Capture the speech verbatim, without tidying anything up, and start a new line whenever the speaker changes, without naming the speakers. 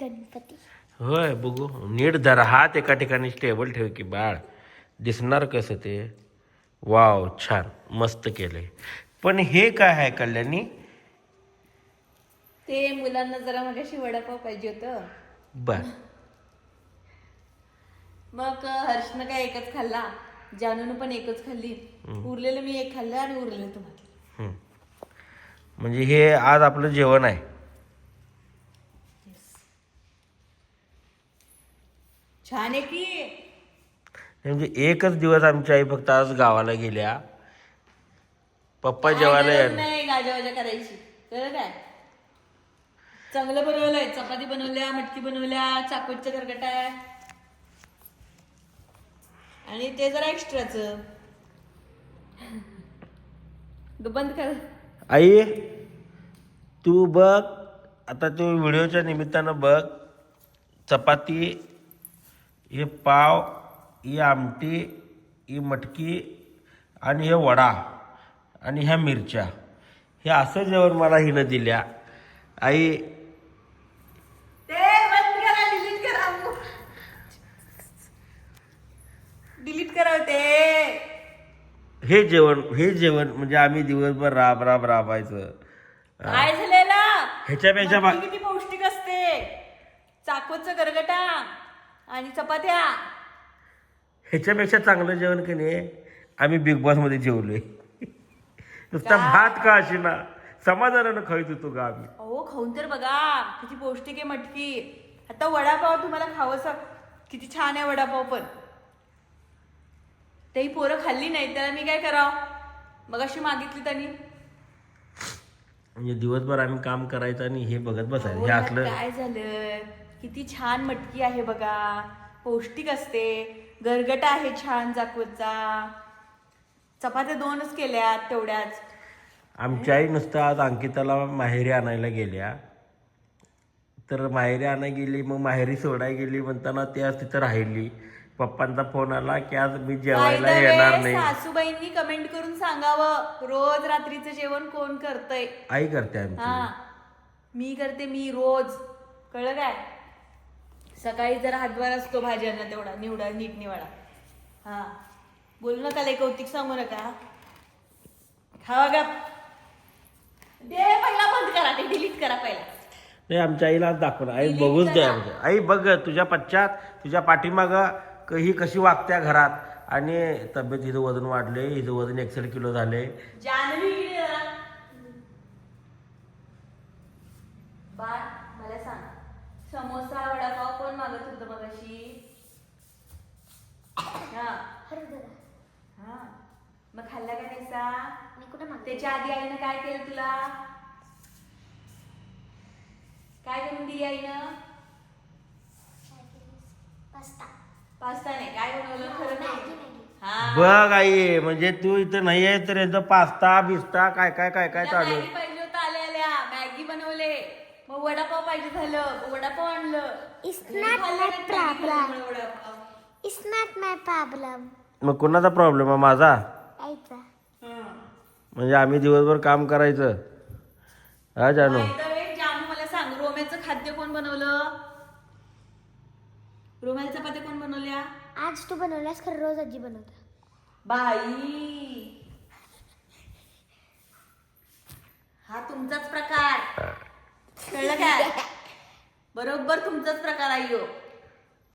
गणपती.
होय बघू नीट जरा हात एका ठिकाणी स्टेबल ठेव की बाळ, दिसणार कसं ते. वाव छान मस्त केलंय. पण हे काय आहे कल्याणी?
ते मुलांना जरा मगाशी वडापाव पाहिजे होतं,
बर
मग हर्षनं काय एकच खाल्ला, जानून पण एकच खाल्ली, उरलेलं मी एक खाल्लं आणि उरलेलं तुम्हाला.
हम्म. म्हणजे हे आज आपलं जेवण आहे.
छान आहे की.
म्हणजे एकच दिवस आमची आई फक्त आज गावाला गेल्या, पप्पा
काय
जेवायला
गरज
येणार.
नाही गाजावाजा करायची, कळलं काय? चांगलं बनवलंय, चपाती बनवल्या, मटकी बनवल्या, चाकोच्या गरगटा आहे आणि ते जरा एक्स्ट्राच. बंद कर.
आई तू बघ आता, तू व्हिडिओच्या निमित्तानं बघ, चपाती, हे पाव, ही आमटी, ही मटकी आणि हे वडा आणि ह्या मिरच्या, हे असं जेवण मला हिनं दिल्या. आई
ते बंद करा, डिलीट करा, डिलीट करा ते.
हे जेवण हे जेवण म्हणजे आम्ही दिवसभर राब राब राबायचं.
काय झालेलं?
ह्याच्यापेक्षा बा-
मटकी किती पौष्टिक असते, चाकोचं गरगटा आणि चपात्या.
ह्याच्यापेक्षा चांगलं जेवण की नाही आम्ही बिग बॉस मध्ये जेवलोय. नुसता
का?
भात का अशी ना समाधानानं खाईत होतो का आम्ही.
अहो खाऊन तर बघा किती पौष्टिक आहे मटकी. आता वडापाव तुम्हाला खावंसा, किती छान आहे वडापाव, पण तेही पोरं खाल्ली नाही, त्याला मी काय करावं, मग अशी मागितली त्यांनी.
म्हणजे दिवसभर आम्ही काम करायचं आणि हे बघत बसायचं.
अहो,
हे
यात
असलं
काय झालं, किती छान मटकी आहे बघा, पौष्टिक असते, गरगटा आहे छान जाकवतचा, चपात्या दोनच केल्यात तेवढ्याच.
आमची आई नुसतं आज अंकिताला माहेरी आणायला गेल्या, तर माहेरी आणायला गेली, मग माहेरी सोडायला गेली म्हणताना ती आज तिथं राहिली. पप्पांचा फोन आला की आज मी जेवायला
By the way,
येणार नाही.
सासूबाईंनी कमेंट करून सांगावं, रोज रात्रीचं जेवण कोण करतय.
आई करते
हा
आमची.
मी करते, मी रोज, कळलं काय? सकाळी जरा हातभार असतो भाज्यांना, तेवढा निवडा नीट निवडा. हा बोलू नका, लय कौतिक सांगू नका. खावा गा दे, पहिला बंद करा, ते डिलीट करा पहिला.
नाही आमच्या आईला आज दाखवलं. आई
Delete
बघूच द्या
करा.
आमच्या आई, बघ तुझ्या पश्चात तुझ्या पाठीमागं क- ही कशी वागत्या घरात, आणि तब्येत, हिचं वजन वाढले, हिचं वजन एकसष्ट किलो झाले.
जान्हवी इकडे जरा. बाळ मला सांग, समोसा वडापाव कोण मागत होतं मगाशी? हा
हरभरा
हा मग खाल्ला का नाहीसा?
मी कुठे मागते?
त्याच्या आधी आईनं काय केलं तुला? काय करून दिली आईनं?
पास्ता.
पास्ता नाही, काय बनवलं खरं
मॅगी,
नाही.
मॅगी.
हा
बघ आई, म्हणजे तू इथं नाही आहे तर यांचं पास्ता बिस्ता काय काय काय काय
तिला
चालू.
मॅगी पाहिजे होतं, आल्या आल्या मॅगी बनवले, मग वडापाव पाहिजे झालं, मग वडापाव आणलं.
It's
घरी
not
खाल्लं
my
नाही,
problem.
मॅगी खाल्ल्यामुळे vada pav.
It's not my problem.
मग कोणाचा प्रॉब्लेम आहे? माझा.
आईचा.
हं.
म्हणजे आम्ही दिवसभर काम करायचं. हा जानू,
By the way, जानू मला सांग, रोम्याचं खाद्य कोण बनवलं? रोम्याच्या चपात्या कोण बनवल्या?
आज तू बनवल्यास, खरं रोज आजी बनवता.
बाई, हा तुमचाच प्रकार, कळलं काय? बरोबर तुमचाच प्रकार आहे ह्यो.